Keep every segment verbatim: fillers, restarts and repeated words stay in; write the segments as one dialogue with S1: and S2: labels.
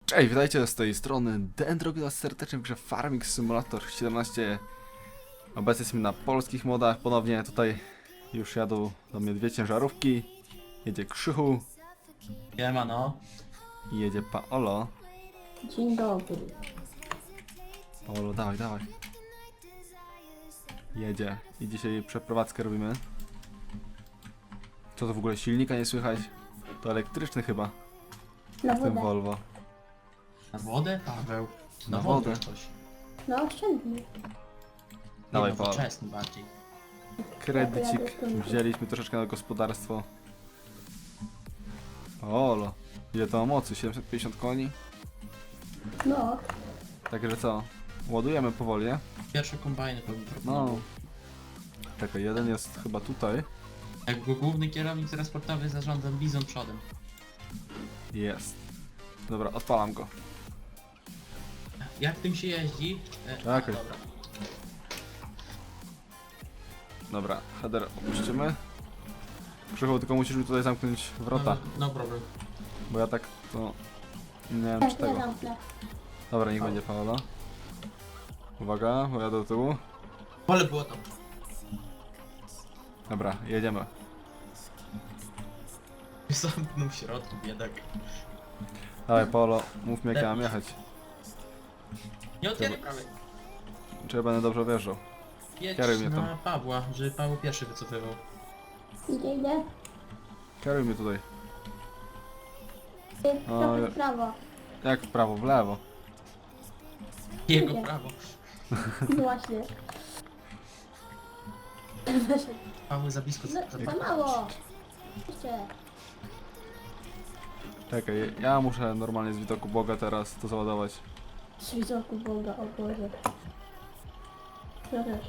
S1: Cześć, witajcie z tej strony Dendrogilas serdecznie w grze Farming Simulator siedemnaście. Obecnie jesteśmy na polskich modach, ponownie tutaj już jadą do mnie dwie ciężarówki. Jedzie Krzychu
S2: Siemano.
S1: i jedzie Paolo.
S3: Dzień dobry.
S1: Paolo, dawaj, dawaj. Jedzie i dzisiaj przeprowadzkę robimy. Co to w ogóle, silnika nie słychać? To elektryczny chyba,
S3: Na
S1: w tym
S3: wodę.
S1: Volvo.
S2: Na wodę, Paweł?
S1: Na wodę.
S2: Coś.
S3: No oszczędny.
S1: Dawaj,
S2: Nie,
S1: Paweł.
S2: nowoczesny bardziej.
S1: Kredycik wzięliśmy troszeczkę na gospodarstwo. Paolo, ile to ma mocy? siedemset pięćdziesiąt koni?
S3: No,
S1: Także co? Ładujemy powoli, nie?
S2: Pierwsze kombajny powinien
S1: No.
S2: proponował.
S1: Czekaj, jeden jest chyba tutaj.
S2: Jak go główny kierownik transportowy zarządza bizon przodem.
S1: Jest. Dobra, odpalam go.
S2: Jak tym się jeździ? E,
S1: Czekaj.
S2: a, dobra.
S1: Dobra, header opuścimy. Krzychu, tylko musisz mi tutaj zamknąć wrota,
S2: No, no problem.
S1: bo ja tak to... Nie wiem
S3: tak
S1: czy
S3: ja
S1: tego.
S3: zamknę.
S1: Dobra, niech będzie Paola. Uwaga, bo ja do tyłu.
S2: Pole było tam.
S1: Dobra, jedziemy.
S2: Zamknął w środku, biedak.
S1: Dawaj Paolo, mów mi jak ja mam jechać.
S2: Nie otwieraj prawej.
S1: Czy ja będę dobrze wjeżdżał?
S2: Jedź
S1: Kieruj mnie tam.
S2: na Pawła, żeby Paweł pierwszy wycofywał.
S3: Idę, idę.
S1: Kieruj mnie tutaj.
S3: Ty,
S1: O,
S3: trochę
S1: ja-
S3: w prawo.
S1: Jak w prawo, w lewo.
S2: Jego
S3: Nie.
S2: prawo.
S3: No właśnie.
S2: Paweł za blisko.
S3: No,
S2: za-
S3: za mało. Jeszcze.
S1: Czekaj, ja muszę normalnie z widoku Boga teraz to załadować.
S3: Z widoku Boga, o Boże. Ja też.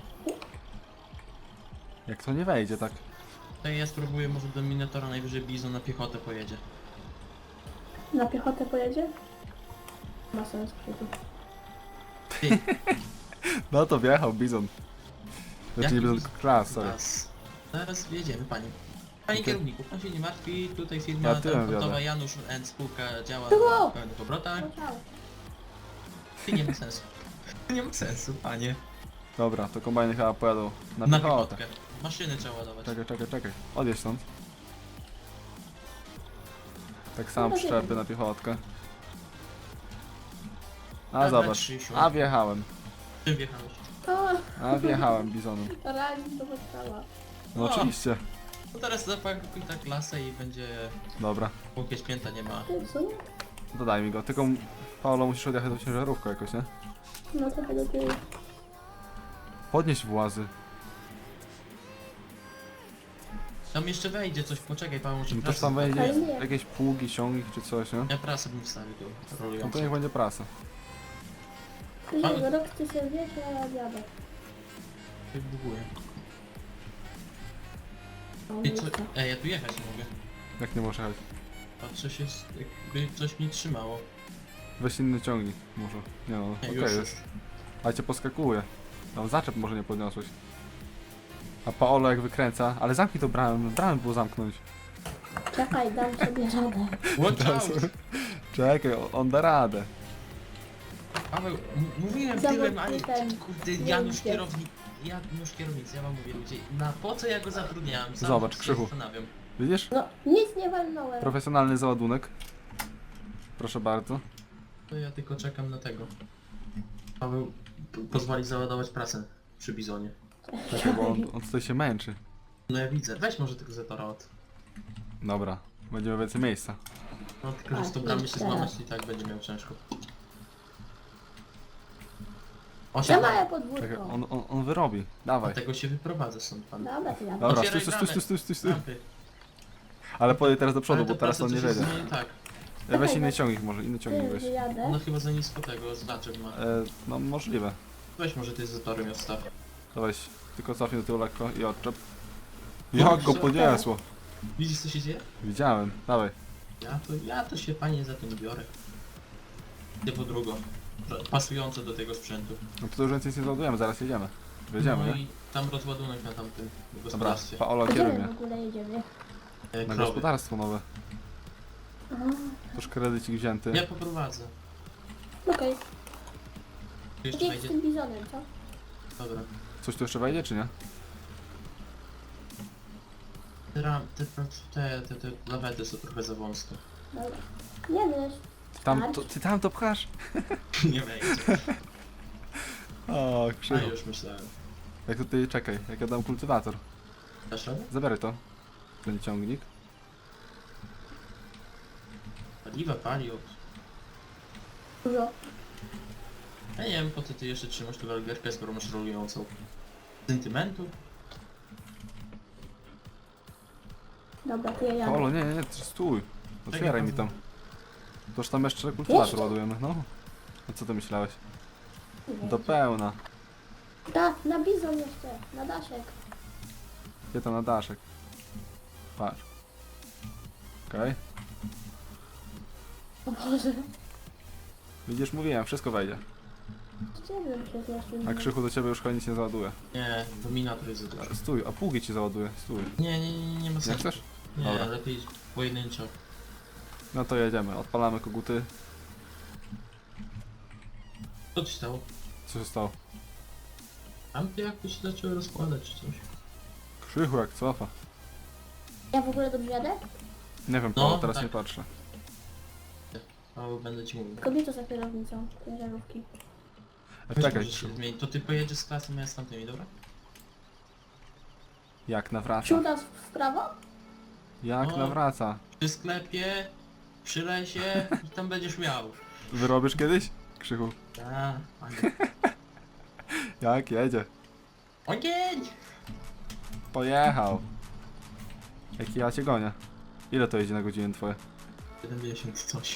S1: Jak to nie wejdzie, tak?
S2: To ja spróbuję może do Minotaura, najwyżej bizon na piechotę pojedzie.
S3: Na piechotę pojedzie? Ma sens, Krzyku.
S2: Ty,
S1: No to wjechał Bizon. Znaczy
S2: Jaki
S1: nie Bizon,
S2: bizon?
S1: klas, sorry.
S2: Zaraz, zaraz wjedziemy, panie. Panie
S1: Okej.
S2: kierowniku, pan się nie martwi, tutaj firma
S1: Ja tyłem
S2: transportowa
S1: wjadę.
S2: Janusz and spółka działa
S3: Było!
S2: na pełnych obrotach.
S3: No ciao.
S2: Ty nie ma sensu. Nie ma sensu, panie.
S1: Dobra, to kombajny chyba pojadą na
S2: Na
S1: piechotę.
S2: piechotkę. Maszyny trzeba ładować.
S1: Czekaj, czekaj, czekaj. Odjedź stąd. Tak samo
S3: No,
S1: przyczepy
S3: wiem.
S1: na piechotkę. A
S2: Dobra,
S1: zobacz,
S2: Krzysiu.
S1: a wjechałem.
S2: Czym wjechałeś?
S3: O,
S1: A wjechałem Bizonem.
S3: realizm to postała.
S1: No
S2: O.
S1: oczywiście.
S2: No teraz zapakuj ta klasę i będzie...
S1: Dobra,
S2: Póki święta nie ma.
S3: Ty, w sumie?
S1: dodaj mi go. Tylko Paolo musisz odjechać do ciężarówkę jakoś, nie?
S3: No trochę do tyłu.
S1: Podnieś włazy.
S2: Tam jeszcze wejdzie coś, poczekaj Paweł, może
S1: No toż
S2: prasę
S1: tam wejdzie
S3: Ale nie.
S1: jakieś pługi, ciągnik czy coś, nie?
S2: Ja prasę bym wstawił tu,
S1: No to
S2: rolującą.
S1: niech będzie prasa.
S3: Krzysiu, rok ty sobie wiesz, a ja jadę.
S2: Buguję.
S3: O,
S2: I co?
S3: miejsce.
S2: Ej, ja tu jechać nie mogę.
S1: Jak nie możesz jechać?
S2: Patrzę się, jakby coś mi trzymało.
S1: Weź inny ciągnik może. Nie no,
S2: Nie,
S1: okej
S2: już,
S1: jest.
S2: już.
S1: A cię poskakuje. Tam zaczep może nie podniosłeś. A Paolo jak wykręca, ale zamknij to bramę, bramę było zamknąć.
S3: Czekaj, dam sobie radę.
S2: Watch out!
S1: Czekaj, on- on da radę.
S2: Paweł, m- mówiłem
S3: Zawód
S2: tyłem, ale
S3: ten-
S2: kurde,
S3: nie
S2: Janusz
S3: idzie.
S2: kierownik, Janusz kierownicy, ja wam mówię ludzie, na po co ja go zatrudniałem? Sam
S1: Zobacz,
S2: się
S1: Krzychu.
S2: zastanawiam.
S1: Widzisz?
S3: No, nic nie walnąłem.
S1: Profesjonalny załadunek. Proszę bardzo.
S2: To ja tylko czekam na tego. Paweł p- pozwoli załadować prasę przy bizonie.
S1: Czekaj, bo on, on tutaj się męczy.
S2: No ja widzę, weź może tego zetora od.
S1: Dobra, będziemy więcej miejsca.
S2: No tylko, że z tą
S3: A,
S2: bramę się
S3: jeszcze
S2: złamać i tak będzie miał ciężko.
S3: Ja
S2: Osiem,
S3: małe
S1: Czekaj,
S3: podwórko.
S1: on, on, on wyrobi. Dawaj.
S2: tego się wyprowadza stąd pan.
S3: Dobra, to jadę.
S1: Dobra, stój,
S2: Otwieraj
S1: stój,
S2: bramę.
S1: stój, stój, stój, stój.
S2: Lampy.
S1: Ale podej teraz do przodu,
S2: Ale
S1: bo
S2: ta
S1: teraz
S2: prasa
S1: on nie
S2: coś
S1: wejdzie.
S2: jest nie tak.
S1: E, Weź inny ciągnik może, inny ciągnik
S3: Ty,
S1: weź.
S3: wyjadę.
S2: Ona chyba za nisko tego znaczek ma.
S1: E, no możliwe.
S2: Weź może ty z zatorem i odstaw.
S1: To weź, tylko cofnij do tyłu lekko i odczep. Jak go podniosło?
S2: Widzisz co się dzieje?
S1: Widziałem, dawaj.
S2: Ja to, ja to się panie za tym biorę. Typu drugo. Pasujące do tego sprzętu.
S1: No to już więcej nie załadujemy, zaraz jedziemy. Jedziemy,
S2: No
S1: nie?
S2: i tam rozładunek na tamtym
S1: Dobra,
S2: gospodarstwie.
S1: Paolo,
S3: A gdzie
S1: kieruj
S3: my
S1: mnie.
S3: w ogóle jedziemy?
S2: E,
S1: Na
S2: krowy.
S1: gospodarstwo nowe.
S3: A,
S1: Toż kredycik wzięty.
S2: Ja poprowadzę.
S3: Okej.
S2: Tu jeszcze
S3: Gdzie z
S2: wejdzie?
S3: tym bizonem, co?
S2: Dobra.
S1: Coś tu jeszcze wejdzie, czy nie?
S2: Te, ram- te, te, te, te lawety są trochę za wąskie.
S3: Dobra. Nie wiesz.
S1: Ty tam to, ty tam to pchasz?
S2: Nie wejdzie.
S1: O,
S2: A
S1: krzywo.
S2: już myślałem.
S1: Jak tutaj, czekaj, jak ja dam kultywator.
S2: Dasz radę?
S1: Zabieraj to. Ten ciągnik.
S2: Paliwa pali od...
S3: Dużo.
S2: Ja nie wiem po co ty jeszcze trzymasz tę walgerkę, skoro masz rolującą. Sentymentu?
S3: Dobra, to ja jadę.
S1: Olo, nie, nie, nie, ty stój. Otwieraj mi tam. Toż tam jeszcze kultywator
S3: Jeszcze?
S1: ładujemy, no. A co ty myślałeś?
S3: Nie
S1: Do
S3: wiem.
S1: pełna.
S3: Da, na bizon jeszcze. Na daszek.
S1: Gdzie to na daszek? Patrz. Okej.
S3: O Boże.
S1: Widzisz, mówiłem, wszystko wejdzie.
S3: Nie wiem, czy jest jeszcze
S1: A Krzychu do ciebie już chyba nic nie załaduje.
S2: Nie, dominator jest za duży.
S1: Stój, a pługi ci załaduje, stój.
S2: Nie, nie, nie, nie ma
S1: Nie
S2: sensu.
S1: chcesz?
S2: Nie,
S1: Dobra.
S2: lepiej pojedynczo.
S1: No to jedziemy, odpalamy koguty.
S2: Co ci stało?
S1: Co się stało?
S2: Tam ty jakoś się zaczęły rozkładać czy coś.
S1: Krzychu jak cofa.
S3: Ja w ogóle dobrze jadę?
S1: Nie wiem,
S2: No,
S1: no, teraz
S2: tak.
S1: nie patrzę.
S2: O, będę ci mówił.
S3: Kobieta za kierownicą ciężarówki.
S1: E,
S2: Weź,
S1: czekaj,
S2: może się zmieni. To ty pojedziesz z klasą, ja z tamtymi, dobra?
S1: jak nawraca?
S3: Siuda w prawo?
S1: Jak
S2: No.
S1: nawraca?
S2: Przy sklepie, przy lesie i tam będziesz miał.
S1: Wyrobisz kiedyś? Krzychu.
S2: A, panie.
S1: Jak jedzie?
S2: Ogień!
S1: Pojechał. Jaki ja cię gonię. Ile to jedzie na godzinę twoje?
S2: siedemdziesiąt coś.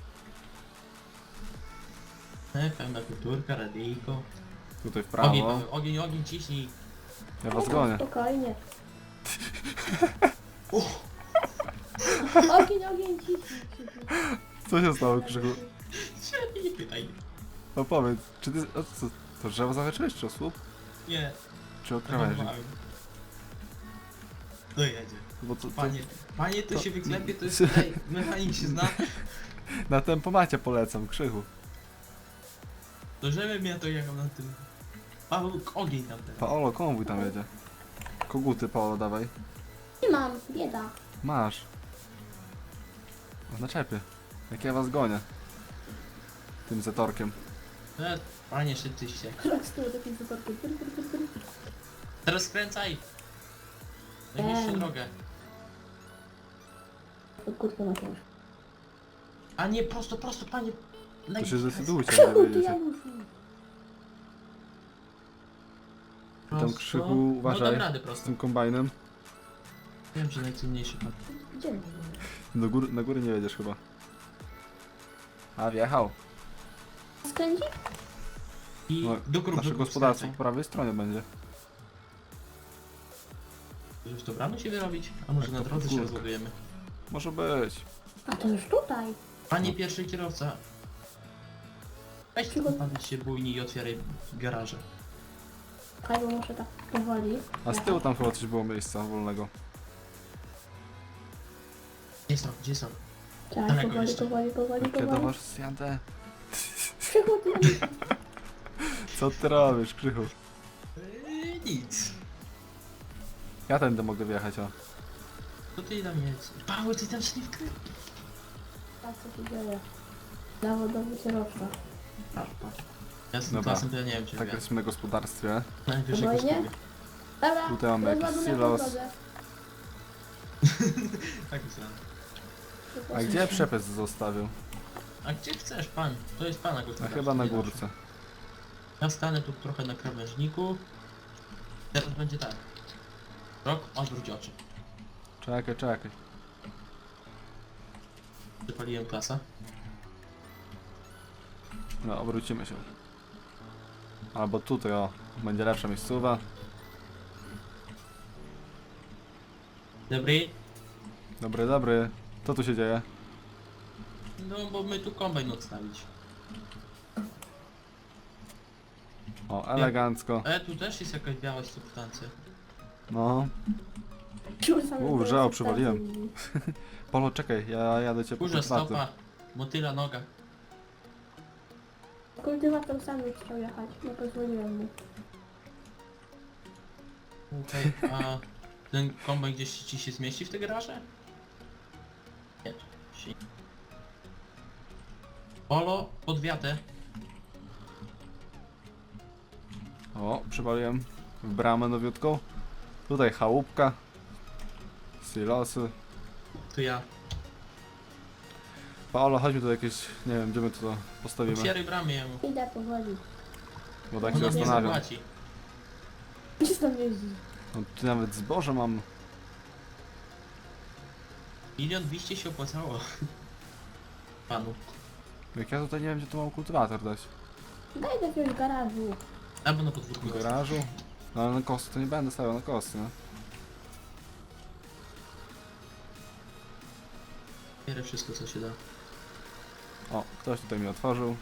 S2: E, pełna kulturka, radyjko.
S1: Tutaj w
S2: Ogień,
S1: prawo.
S2: Paweł, ogień, ogień, ciśnij.
S1: Ja was gonię.
S3: Spokojnie.
S2: Uch,
S3: Ogień, ogień, ciśnij. ciśnij.
S1: Co się stało, Krzychu?
S2: się nie pytaj.
S1: Opowiedz, czy ty... O, co, to drzewo zahaczyłeś, czy o słup?
S2: Nie,
S1: Czy o krawędzi?
S2: zahamowałem. Dojedzie.
S1: Bo to, to
S2: Panie, panie to
S1: to-
S2: się wyklepie, to jest tutaj, mechanik się zna.
S1: na tempomacie polecam, Krzychu.
S2: To żebym ja to jechał na tym. Paweł, ogień tam teraz.
S1: Paolo, konwój tam jedzie. Koguty, Paolo, dawaj.
S3: Nie mam, bieda.
S1: Masz. W naczepie. Jak ja was gonię. Tym zatorkiem.
S2: E, panie, szybciej się.
S3: Tak z tyłu takim zatorkiem. Pyr, pyr, pyr, pyr.
S2: Teraz skręcaj. Najbliższą
S3: Em.
S2: drogę.
S3: Pod kurtką na ciężko.
S2: A nie, prosto, prosto, panie.
S1: To się zdecydujcie, gdzie
S3: Krzychu, ty
S1: wyjedziecie.
S3: Januszu.
S1: Tam, Krzychu,
S2: No dam
S1: uważaj.
S2: radę
S1: Z
S2: prosto.
S1: tym kombajnem.
S2: Wiem, że najcenniejszy pan.
S3: Gdzie my?
S1: Do góry, na góry nie jedziesz chyba. A, wjechał.
S3: Skręci?
S2: I
S1: No,
S2: do krugu.
S1: Nasze gospodarstwo po prawej stronie będzie.
S2: Już to bramy się wyrobić? A może
S1: Tak,
S2: na
S1: to
S2: drodze się
S1: górka.
S2: rozładujemy?
S1: Może być.
S3: A to już tutaj.
S2: Panie pierwszy kierowca. Weź
S3: Czego?
S2: tylko pan się bujni i otwieraj garaże.
S3: Czekaj, bo muszę tak powoli.
S1: A z tyłu tam chyba coś było miejsca wolnego.
S2: Gdzie są? Gdzie są?
S3: Czekaj,
S2: Daleko
S3: powoli,
S2: jeszcze.
S3: powoli, powoli,
S1: Jak ja do
S3: powoli.
S1: was zjadę.
S3: Krzychu, ty Januszu.
S1: Co ty robisz, Krzychu?
S2: Eee, nic.
S1: Ja tędy mogę wjechać, o.
S2: To ty tam jedź. Paweł, ty tam się nie wkręć.
S3: Tak, co się dzieje? Zawodowy kierowca.
S2: Patrz, patrz. Ja z tym
S1: Dobra.
S2: klasem to ja nie wiem, czy
S1: Tak
S2: ja.
S1: jesteśmy na gospodarstwie.
S2: Najwyżej go
S3: Spokojnie.
S2: spróbuję.
S3: Dobra,
S1: Tutaj mamy jakiś
S3: rozładunek po
S1: silos.
S3: drodze.
S2: Tak myślałem.
S1: A gdzie przepis zostawił?
S2: A gdzie chcesz, pan? To jest pana
S1: A
S2: gospodarstwo.
S1: chyba na
S2: nie nasze.
S1: górce.
S2: Ja stanę tu trochę na krawężniku. Teraz będzie tak. Rok, odwróć oczy.
S1: Czekaj, czekaj.
S2: Przypaliłem klasa.
S1: No, obrócimy się. Albo tutaj, o. Będzie lepsza miejscowa.
S2: Dobry.
S1: Dobry, dobry. Co tu się dzieje?
S2: No bo my tu kombajn odstawić.
S1: O, elegancko.
S2: E, tu też jest jakaś biała substancja.
S1: No. U, żało, przywaliłem. Polo, czekaj, ja jadę cię po
S2: Kurza
S1: kultywator.
S2: stopa. Motyla noga.
S3: Kultywator sam nie chciał jechać, nie pozwoliłem mu.
S2: Okej, a ten kombajn gdzieś ci się zmieści w te garaże? Nie. Si- Polo, pod wiatę.
S1: O, przywaliłem w bramę nowiutką. Tutaj chałupka. Silosy.
S2: Tu ja.
S1: Paolo, chodźmy tu jakieś, nie wiem, gdzie my to postawimy.
S2: Otwieraj bramy jemu.
S3: Idę powoli.
S1: Bo tak się
S2: On nas nie
S1: zastanawiam.
S2: zapłaci.
S3: Gdzie tam jeździ?
S1: No, tu nawet zboże mam.
S2: Milion dwieście się opłacało. Panu.
S1: Jak ja tutaj nie wiem, gdzie tu mam kultywator dać.
S3: Daj do jakiegoś garażu.
S2: Albo na podwórku.
S1: W garażu? No ale na kosty to nie będę stawiał na kosty, no.
S2: Bierę wszystko co się da.
S1: O, ktoś tutaj mi otworzył.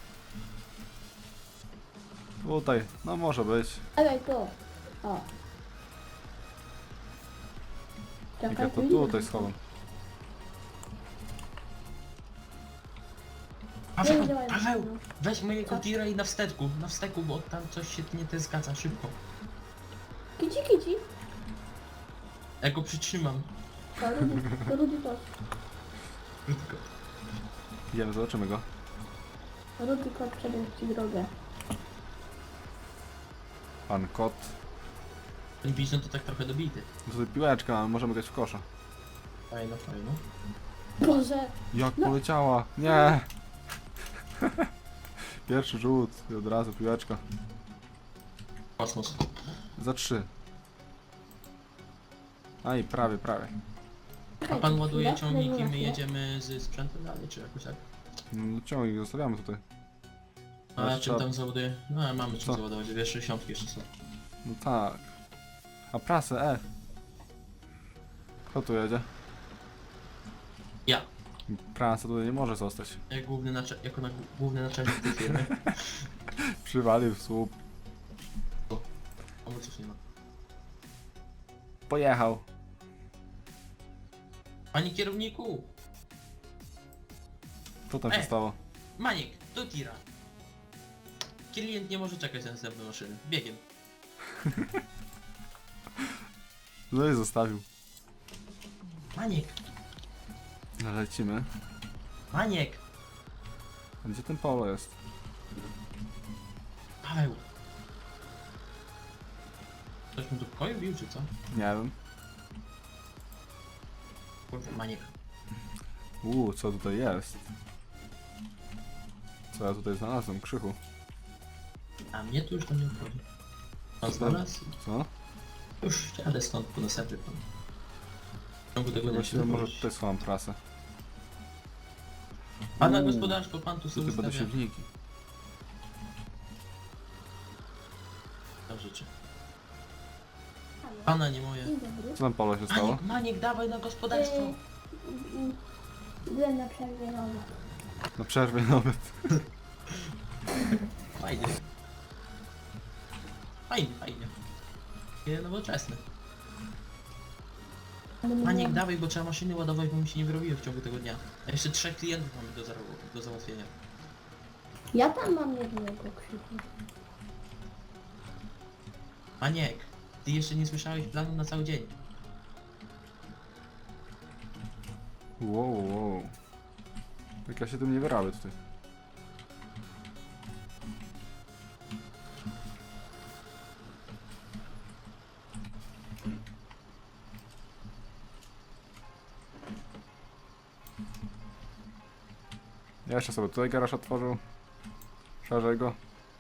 S1: Tutaj, no może być.
S3: Dawaj tu. O.
S1: Jak
S3: Czekaj,
S1: ja to
S3: tu
S1: tutaj
S3: idę.
S1: schowam.
S3: Nie
S2: Paweł,
S3: działaj,
S2: Paweł!
S3: no.
S2: Weź mojego
S3: Co?
S2: tira i na wsteku, na wsteku, bo tam coś się nie te zgadza, szybko.
S3: Kici, kici.
S2: Ja go przytrzymam.
S3: To Rudy, to Rudy to.
S2: Krótko.
S1: Idziemy, zobaczymy go.
S3: Rudy kot przebiegł ci drogę.
S1: Pan kot.
S2: Ten bizon to tak trochę dobity.
S1: Tutaj piłeczkę mamy, możemy grać w kosza.
S2: Fajno, fajno.
S3: Boże.
S1: Jak
S3: No.
S1: poleciała! Nie! Pierwszy rzut i od razu piłeczka.
S2: Kosmos.
S1: Za trzy. A i prawie, prawie.
S2: A pan ładuje
S3: Chwilę,
S2: ciągnik i my
S3: chwilę.
S2: jedziemy z sprzętem dalej, czy jakoś tak?
S1: No, ciągnik zostawiamy tutaj.
S2: A
S1: Jeszcze
S2: czym
S1: trzeba-
S2: tam załaduje? No mamy czym
S1: Co?
S2: załadować, dwie sześćdziesiątki jeszcze są.
S1: No tak. A prasę, e. Kto tu jedzie?
S2: Ja.
S1: Prasa tutaj nie może zostać.
S2: Jak główny nacze- jako na główny naczelnik tej firmy.
S1: Przywalił w słup.
S2: A mu coś nie ma.
S1: Pojechał.
S2: Panie kierowniku!
S1: Co tam się
S2: E.
S1: stało?
S2: Maniek, do tira. Klient nie może czekać na następną maszynę. Biegiem.
S1: No i zostawił.
S2: Maniek!
S1: No lecimy.
S2: Maniek!
S1: A gdzie ten Polo jest?
S2: Paweł! Ktoś mu tu pokoju bił, czy co?
S1: Nie wiem.
S2: Kurde, Maniek.
S1: Uuu, co tutaj jest? Co ja tutaj znalazłem? Krzychu.
S2: A mnie to już to nie obchodzi. Pan znalazł?
S1: Co?
S2: Już jadę stąd po następny pan. W ciągu tego dnia się
S1: Właściwie może
S2: dowiedzieć.
S1: tutaj schowam prasę.
S2: Pana
S1: Uuu,
S2: gospodarstwo, pan tu sobie
S1: Tutaj będą
S2: ustawia.
S1: siewniki.
S2: To życzę. Pana nie moje.
S3: Dzień dobry.
S1: Co tam Polo się stało?
S2: Maniek, Maniek, dawaj na gospodarstwo.
S3: Yy, yy, Byłem na przerwie nowe.
S1: Na przerwie nawet.
S2: Fajnie. Fajnie, fajnie. Takie nowoczesne.
S3: Ale nie
S2: Maniek,
S3: byłem-
S2: dawaj, bo trzeba maszyny ładować, bo mi się nie wyrobiło w ciągu tego dnia. A jeszcze trzech klientów mamy do, zaro- do załatwienia.
S3: Ja tam mam jednego krzyku.
S2: Maniek, ty jeszcze nie słyszałeś planu na cały dzień.
S1: Wow, wow. Jak ja się tym nie wyrabię tutaj. Ja jeszcze sobie tutaj garaż otworzył. Szerzej go.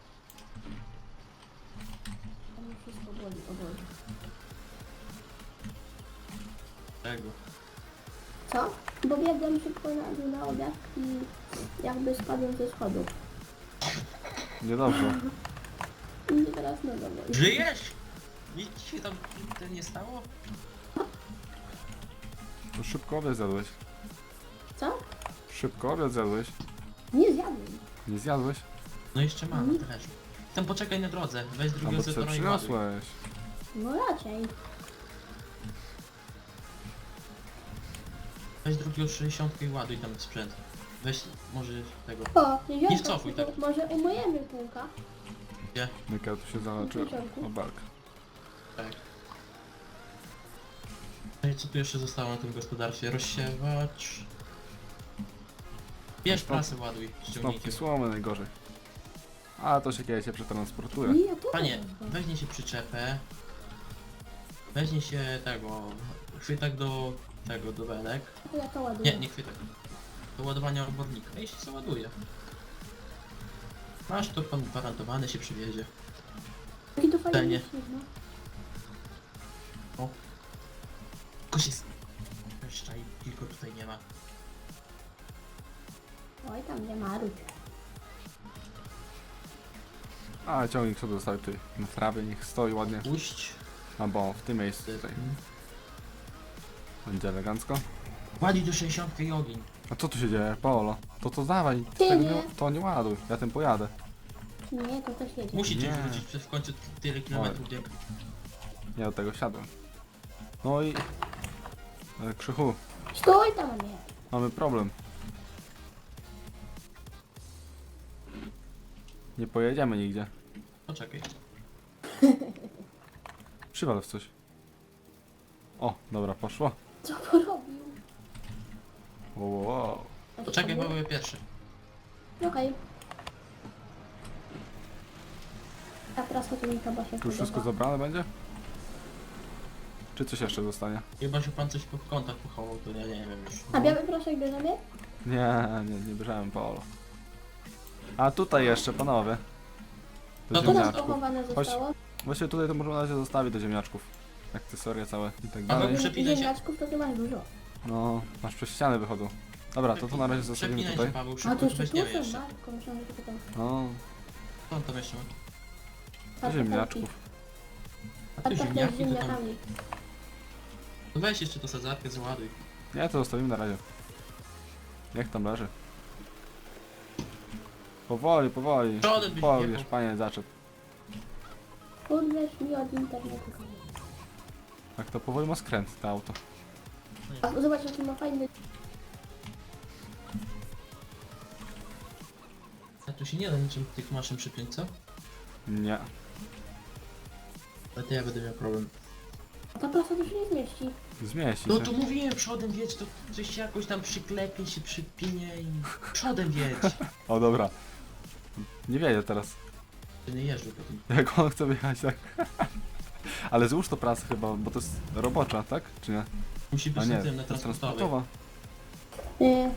S3: To mi wszystko boli, o Boże.
S2: Czego?
S3: Co? Bo biegłem szybko na dół na obiad i jakby spadłem ze schodów.
S1: Niedobrze.
S3: I mnie teraz noga boli.
S2: Żyjesz? Nic ci się tam to nie stało?
S1: To szybko obiad zjadłeś.
S3: Co?
S1: Szybko obiad zjadłeś.
S3: Nie zjadłem.
S1: Nie zjadłeś?
S2: No jeszcze mam na talerzu. Tam poczekaj na drodze, weź
S1: A
S2: drugiego
S1: bo co
S2: zetora i ładuj.
S1: przyniosłeś?
S3: No raczej.
S2: Weź drugiego sześćdziesiątkę i ładuj tam sprzęt. Weź może tego.
S3: O,
S2: Nie wcofuj tak.
S3: Może umyjemy kółka.
S2: Gdzie?
S1: Myka tu się zaleczył. O bark.
S2: Tak. No i co tu jeszcze zostało na tym gospodarstwie? Rozsiewacz. Bierz prasę, ładuj,
S1: Snopki
S2: ściągnijcie.
S1: słomy najgorzej. A to się kiedyś się przetransportuje.
S3: Nie, to
S2: Panie, weźmie się przyczepę. Weźmie się tego. Chwytak do tego, do belek.
S3: Ja to ładuję.
S2: Nie, nie chwytak. Do ładowania obornika i się załaduje. Masz to pan gwarantowany, się przywiezie.
S3: Jaki to fajny
S2: Celnie.
S3: licznik, no.
S2: O. Koś jest. Jeszcze i tylko tutaj nie ma.
S3: Oj, tam nie ma ród.
S1: A ciągnik sobie zostawił tutaj na trawie, niech stoi ładnie.
S2: Puść.
S1: Albo w tym miejscu tutaj. Będzie elegancko.
S2: Ładuj do sześćdziesiątki i ogień.
S1: A co tu się dzieje? Paolo? To to dawaj,
S3: Ty
S1: tego
S3: nie.
S1: nie, to nie ładuj, ja tym pojadę.
S3: Nie, to też jedzie.
S2: Musicie
S1: Nie.
S2: wrócić przez w końcu tyle kilometrów bieg.
S1: Ja do tego siadłem. No i... E, Krzychu,
S3: Stój tam, a nie.
S1: mamy problem. Nie pojedziemy nigdzie.
S2: Poczekaj.
S1: Przywal w coś. O, dobra, poszło.
S3: Co porobił?
S1: Wow, wow, wow.
S2: Poczekaj, bo były pierwszy.
S3: Okej. A prasa to mi chyba się
S1: Tu już wszystko
S3: podoba.
S1: zabrane będzie? Czy coś jeszcze zostanie?
S2: Chyba się pan coś po kątach pochował, to ja nie wiem już.
S3: A biały proszek bierzemy?
S1: Nie, nie, nie bierzemy Paolo. A tutaj jeszcze, panowie. Do
S2: No to
S3: Co tam
S1: ziemniaczków.
S3: pochowane zostało?
S1: Właściwie tutaj to możemy na razie zostawić do ziemniaczków. Akcesoria całe i tak
S2: A
S1: dalej.
S2: wy Przepinaj się.
S3: Ziemniaczków to ty masz dużo.
S1: No, masz przez ściany wychodzą. Dobra, to to na razie zostawimy
S2: Przepinaj
S1: tutaj.
S2: się, Paweł,
S3: A
S2: szybko,
S3: to jeszcze tu
S2: weźmiemy
S3: są,
S2: jeszcze.
S3: Marko, myślałam, że to tam.
S1: No,
S2: Co on tam jeszcze ma?
S1: do ziemniaczków.
S2: A
S3: A
S2: tu
S3: to też
S2: ziemniaki,
S3: z
S2: to tam...
S3: ziemniakami.
S2: To weź jeszcze to sadzarkę, załaduj.
S1: Nie, to zostawimy na razie. Niech tam leży. Powoli, powoli.
S2: Przodem byś
S1: Powoli,
S2: wjechał.
S1: panie, zaczep.
S3: Odbierz mi od internetu.
S1: Tak to powoli ma skręt, to auto.
S3: A zobacz, jaki ma fajny...
S2: A tu się nie da niczym tych maszyn przypiąć, co?
S1: Nie.
S2: Ale to ja będę miał problem.
S3: A ta prasa tu się nie zmieści.
S1: Zmieści
S2: No
S1: się.
S2: to mówiłem, przodem wiedź, to coś się jakoś tam przyklepie, się przypinie i... Przodem wiedź!
S1: O, dobra. Nie wiedzie teraz.
S2: Ty nie jeżdżę po tym.
S1: Jak on chce wyjechać, tak. Ale złóż to prasę chyba, bo to jest robocza, tak? Czy nie?
S2: Musi
S1: A
S2: być
S1: nie,
S2: na tym, na
S1: to jest
S2: transportowej.
S1: transportowa.
S3: Yy.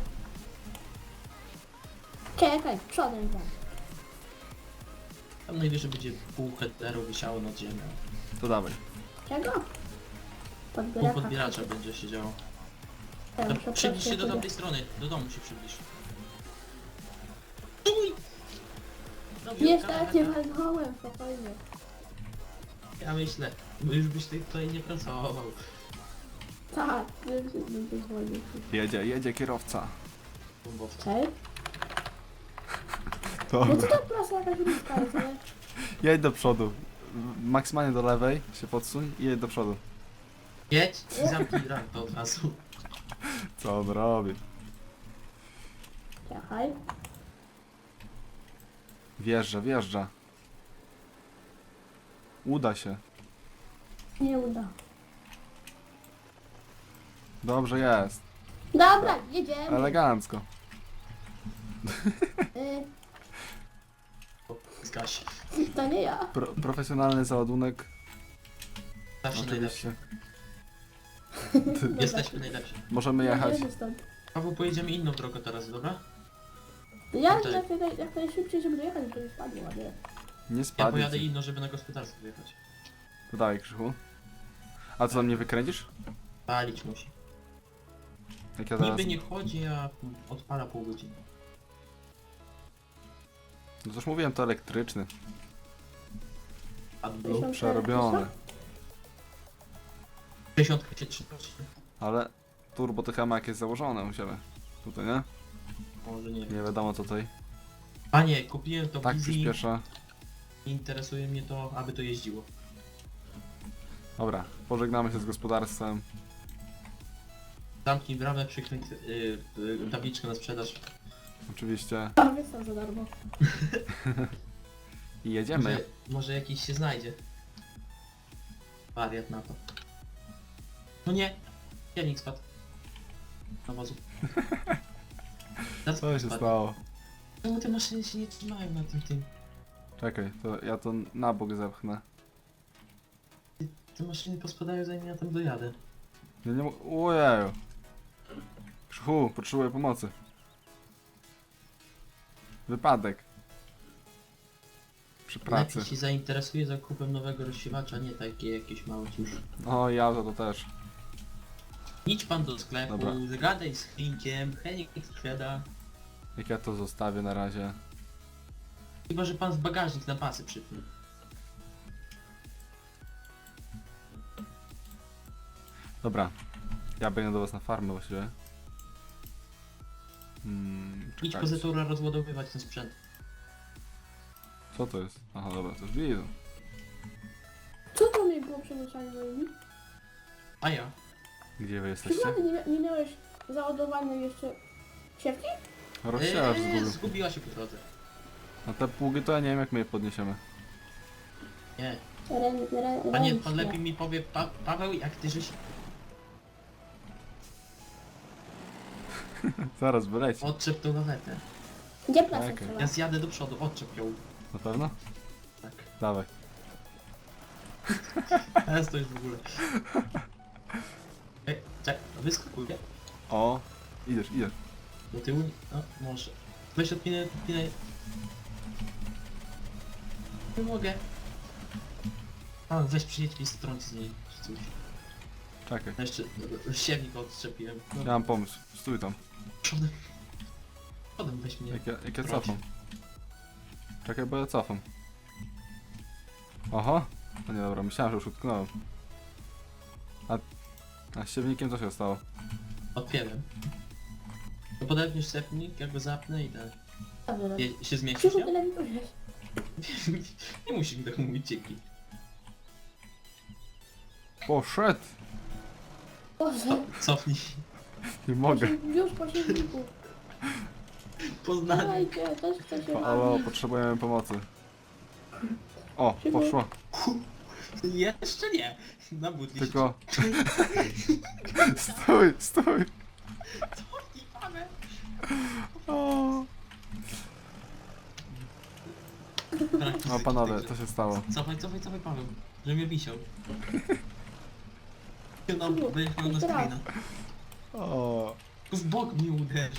S3: Czekaj, przodem wam.
S2: Tam najwyżej będzie pół headeru wisiało nad ziemią.
S1: To dawaj.
S3: Czego?
S2: Pół
S3: Podbieraka.
S2: podbieracza będzie się działo.
S3: Ja
S2: No,
S3: muszę
S2: przybliż się do
S3: prosić,
S2: tamtej strony, do domu się przybliż. Stój! Robię
S3: Nie
S2: kamera.
S3: tak, nie walnąłem, spokojnie.
S2: Ja myślę, bo już byś ty tutaj nie pracował.
S3: Tak, wiem, że nie pozwolił.
S1: Jedzie, jedzie kierowca.
S2: Bombowca.
S3: Cześć. No co
S1: Dobra.
S3: ta prasa jakaś bliska jest, nie?
S1: Jedź do przodu. Maksymalnie do lewej się podsuń i jedź do przodu.
S2: Jedź i zamknij brak to od razu.
S1: Co on robi?
S3: Czekaj.
S1: Wjeżdża, wjeżdża. Uda się.
S3: Nie uda.
S1: Dobrze jest.
S3: Dobra, jedziemy.
S1: Elegancko.
S3: Y,
S2: Zgaś.
S3: to nie ja.
S1: Pro, profesjonalny załadunek.
S2: Zawsze najlepszy.
S1: Oczywiście.
S3: Dobra.
S2: Jesteśmy najlepsi.
S1: Możemy jechać.
S3: Jedziemy stąd.
S2: Paweł, pojedziemy inną drogą teraz, dobra?
S3: Ja
S2: Tutaj.
S3: jak, jak, jak najszybciej, żeby dojechać, żeby spadło, a nie.
S1: Nie
S2: Ja
S1: spadnie
S2: pojadę
S1: ci.
S2: inną, żeby na gospodarstwo wyjechać.
S1: To dawaj, Krzychu. A co, tam nie wykręcisz?
S2: Palić musi.
S1: Jak ja zaraz...
S2: Niby nie chodzi, a odpala pół godziny.
S1: No to już mówiłem, to elektryczny.
S2: AdBlue.
S3: Tysiąc-
S1: Przerobiony.
S2: sześćdziesiąt się trzy.
S1: Ale turbo to chyba ma jakieś założone u siebie. Tutaj, nie?
S2: Może nie wiem.
S1: Nie wiadomo co tutaj.
S2: Panie, kupiłem to
S1: Tak
S2: Easy.
S1: przyspiesza.
S2: Interesuje mnie to, aby to jeździło.
S1: Dobra, pożegnamy się z gospodarstwem.
S2: Zamknij bramę, przykręć yy, yy, tabliczkę na sprzedaż.
S1: Oczywiście.
S3: A wystaw za darmo.
S1: I jedziemy.
S2: Może, może jakiś się znajdzie. Wariat na to. No nie! Silnik spadł. Na wozu. Zaraz
S1: Co się
S2: spadnie.
S1: stało?
S2: Czemu te maszyny się nie trzymają na tym tym?
S1: Czekaj, to ja to na bok zepchnę.
S2: Te maszyny pospadają zanim ja tam dojadę.
S1: Ja nie mogę. Ojeju. Krzychu, potrzebuję pomocy. Wypadek. Przy pracy.
S2: Lepiej się zainteresuje zakupem nowego rozsiewacza, nie takie jakieś małe ciusz.
S1: O, ja to, to też.
S2: Idź pan do sklepu,
S1: Dobra.
S2: zagadaj z Henkiem, Henik sprzeda.
S1: Jak ja to zostawię na razie.
S2: Chyba, że pan w bagażnik na pasy przypnie.
S1: Dobra. Ja biegnę do was na farmę właściwie. Hmm,
S2: Idź
S1: czekajcie.
S2: po Zetora rozładowywać ten sprzęt.
S1: Co to jest? Aha, dobra, to już widzę.
S3: Co to mi było przemieszanie moimi?
S2: A ja?
S1: Gdzie wy
S3: Czy
S1: jesteście?
S3: ty nie, nie miałeś załadowanej jeszcze siewki?
S1: Rozsiarz
S2: Eee,
S1: zgubił.
S2: zgubiła się po drodze.
S1: Na te pługi to ja nie wiem jak my je podniesiemy.
S2: Nie.
S3: Ren, ren,
S2: Panie,
S3: ręcznie.
S2: pan lepiej mi powie, pa Paweł, jak ty żeś
S1: Zaraz wyleci.
S2: odczep tą lawetę.
S3: Gdzie prasa
S1: Okej.
S3: trzeba?
S2: Ja zjadę do przodu, odczep ją.
S1: Na pewno?
S2: Tak.
S1: Dawaj.
S2: Teraz to już w ogóle. Ej, czek, wyskakuję.
S1: O, idziesz, idziesz.
S2: Do tyłu, no może. Weź odpinę, odpinę. Nie mogę. A, weź przyjedź i strąć z niej, czy coś.
S1: Czekaj.
S2: No jeszcze siewnik odczepiłem.
S1: Ja
S2: No,
S1: mam pomysł. Stój tam.
S2: przodem. Przodem weź mnie.
S1: Jak ja, jak ja
S2: Prowadź.
S1: cofam. Czekaj, bo ja cofam. Oho. No nie dobra, myślałem, że już utknąłem. A, a z siewnikiem co się stało?
S2: Odpięłem. To podepniesz sepnik, ja go zapnę i tak.
S3: Dobra.
S2: Je, się zmieścisz,
S3: Krzychu,
S2: ja?
S3: tyle mi powiesz.
S2: Nie musisz mi tak mówić, dzięki.
S1: Poszedł!
S3: Boże,
S2: Cofnij.
S1: Nie mogę.
S3: już po siewniku.
S2: Poznanie.
S3: Dawajcie, też chcę się
S1: Halo,
S3: bawić.
S1: potrzebujemy pomocy. O, poszło.
S2: Jeszcze nie. Na butli się
S1: Tylko... Stój, stój!
S2: cofnij, Paweł.
S1: O,
S2: Brak
S1: no panowie, co się stało?
S2: Cofaj, cofaj, cofaj, Paweł. Że mnie wisiał. No, będziesz miał na
S3: Jeszcze raz.
S2: screena.
S1: O,
S2: Tu w bok mnie uderz.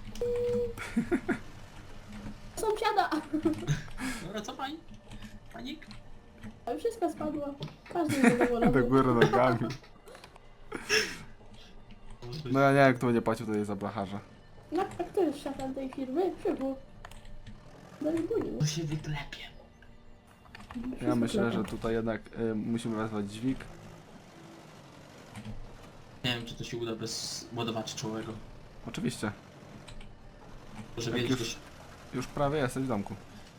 S3: Sąsiada!
S2: Dobra, cofaj. Panik.
S3: A już wszystko spadło. Każdy zadowolony.
S1: do góry nogami. No ja nie wiem, kto będzie płacił tutaj za blacharza.
S3: No, a kto jest szefem tej firmy? Krzychu. No i budził.
S2: To się wyklepie.
S1: Ja myślę, że tutaj jednak y, musimy wezwać dźwig.
S2: Nie wiem, czy to się uda bez ładowaczy czołowego.
S1: Oczywiście,
S2: Może
S1: Jak
S2: wiedzieć,
S1: już-
S2: już...
S1: już prawie jesteś w domku.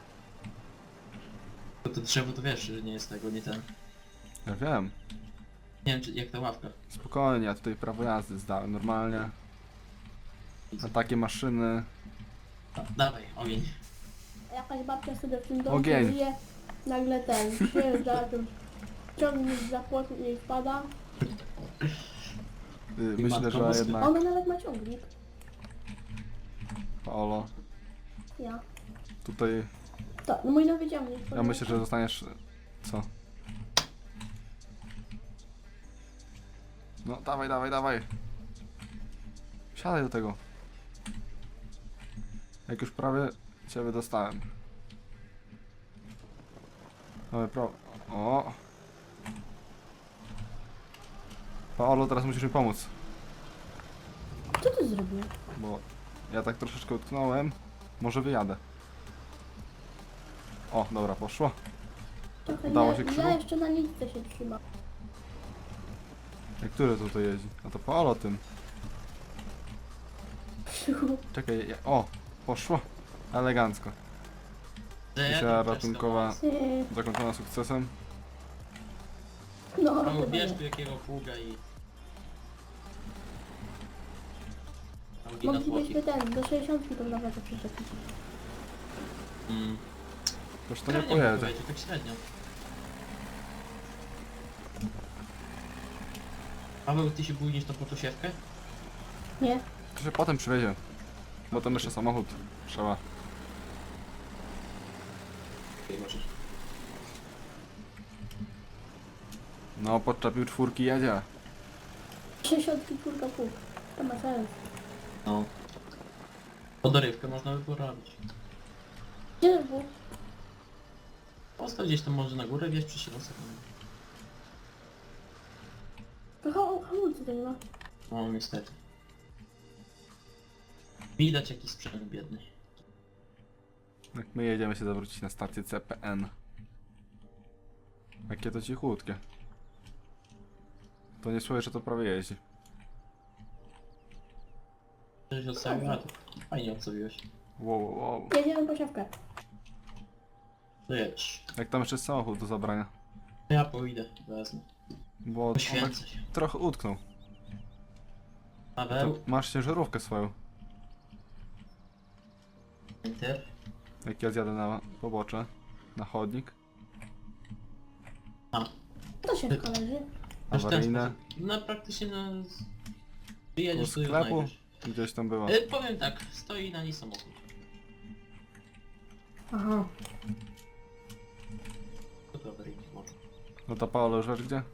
S2: to, to drzewo to wiesz, że nie jest tego, nie ten.
S1: Ja wiem.
S2: Nie wiem, czy, jak ta ławka.
S1: Spokojnie, ja tutaj prawo jazdy zdałem normalnie. Na takie maszyny.
S2: Da, dawaj, ogień.
S3: Jakaś babcia sobie w tym domu
S1: Ogień.
S3: żyje. Nagle ten przyjeżdża, ten ciągnik za płot jej wpada.
S1: Y,
S2: I
S1: myślę,
S2: matko
S1: że
S2: boska.
S1: jednak
S3: Ona nawet ma ciągnik.
S1: Paolo,
S3: Ja.
S1: tutaj
S3: To, no mój nowy ciągnik.
S1: ja myślę, że zostaniesz... Co? No dawaj, dawaj, dawaj. Siadaj do tego. Jak już prawie cię wydostałem. Mamy pro... O! Paolo, teraz musisz mi pomóc.
S3: Co ty zrobił?
S1: Bo ja tak troszeczkę utknąłem. Może wyjadę. O, dobra, poszło.
S3: Trochę
S1: Udało
S3: ja,
S1: się, Krzychu?
S3: ja jeszcze na nitce się trzyma.
S1: Jak który tutaj jeździ? A to Paolo tym.
S3: Krzychu.
S1: Czekaj, ja... o! Poszło. Elegancko. Misja ratunkowa
S3: Ty.
S1: zakończona sukcesem.
S3: No,
S2: Paweł,
S3: chyba
S2: bierz
S3: nie.
S2: tu jakiego pługa i... Mogli na tłoki.
S3: Moglibyśmy ten, do sześćdziesiątki tą lawetę przyczepić.
S2: Mm.
S1: Toż to nie
S2: Średnio
S1: pojedzie.
S2: pojedzie, tak średnio. Paweł, ty się bójniesz tą potosiewkę?
S3: Nie?
S1: To się potem przywiezie. Bo tam jeszcze samochód trzeba. No, podczepił czwórki, jedzie.
S3: sześćdziesiątki czwórka pół. To ma sens.
S2: No. Podorywkę można by porobić.
S3: Gdzie to było?
S2: Postaw gdzieś tam może na górę, wieź przy siedzących.
S3: To ha- hamulcy to nie ma.
S2: No niestety. Widać jakiś sprzęt biedny.
S1: Jak my jedziemy się zawrócić na stację C P N. Jakie to cichutkie. To nie słyszę, że to prawie jeździ.
S2: Żeś odstawił, a to fajnie odstawiłeś.
S1: Wow, wow, wow.
S3: Jedziemy po siewkę.
S2: To jedź.
S1: Jak tam jeszcze jest samochód do zabrania?
S2: Ja pójdę, wezmę.
S1: Bo on tak
S2: Poświęcę się.
S1: trochę utknął. To
S2: Paweł,
S1: masz ciężarówkę swoją.
S2: enter.
S1: Jak ja zjadę na pobocze, na chodnik.
S2: A,
S3: To siewka leży.
S2: masz ten
S1: Awaryjne.
S2: sposób. No praktycznie no... Ty
S1: Do
S2: jedziesz, to ją
S1: sklepu
S2: znajdziesz.
S1: gdzieś tam była.
S2: E, powiem tak, stoi na niej samochód.
S3: Aha.
S2: To to awaryjnie może.
S1: No ta Paolo rzecz gdzie?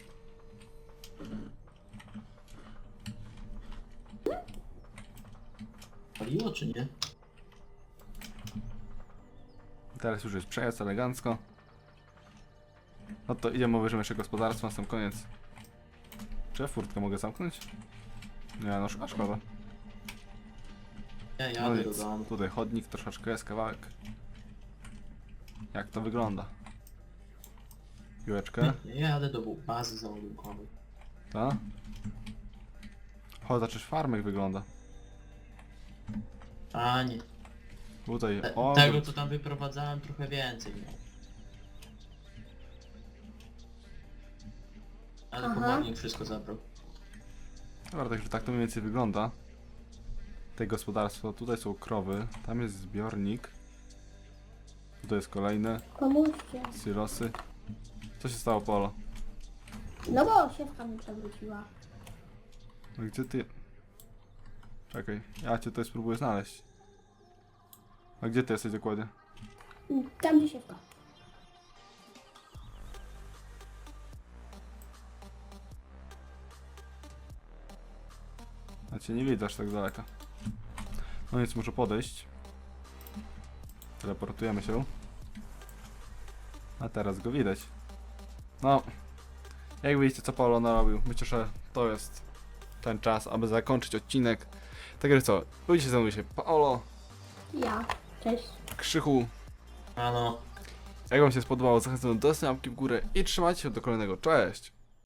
S2: Paliło czy nie?
S1: Teraz już jest przejazd elegancko. No to idziemy, obejrzymy jeszcze gospodarstwo na sam koniec. Czy ja furtkę mogę zamknąć? Nie, no a szkoda.
S2: Ja
S1: No
S2: jadę do
S1: nic,
S2: domu.
S1: tutaj chodnik troszeczkę jest, kawałek. Jak to wygląda? Piłeczkę,
S2: Ja jadę do bazy załadunkowej.
S1: ta? O, zaczysz farmek wygląda.
S2: A nie.
S1: Tutaj,
S2: Te,
S1: o,
S2: tego co tam wyprowadzałem trochę więcej miał. Ale
S3: Aha.
S2: komornik wszystko zabrał.
S1: dobra, także tak to mniej więcej wygląda. Te gospodarstwo, tutaj są krowy, tam jest zbiornik. Tutaj jest kolejne,
S3: Pomóżcie.
S1: silosy. Co się stało, Polo?
S3: No bo siewka mi przewróciła.
S1: No gdzie ty? Czekaj, ja cię tutaj spróbuję znaleźć. A gdzie ty jesteś dokładnie?
S3: Tam gdzie siewka.
S1: A cię nie widać tak z daleka. No więc muszę podejść. Teleportujemy się. A teraz go widać. No. Jak widzicie, co Paolo narobił. Myślę, że to jest ten czas, aby zakończyć odcinek. Także co, pójdźcie ze mną się Paolo,
S3: Ja. Cześć.
S1: Krzychu.
S2: A no.
S1: Jak wam się spodobało, zachęcam do zostawienia łapki w górę i trzymajcie się do kolejnego. Cześć!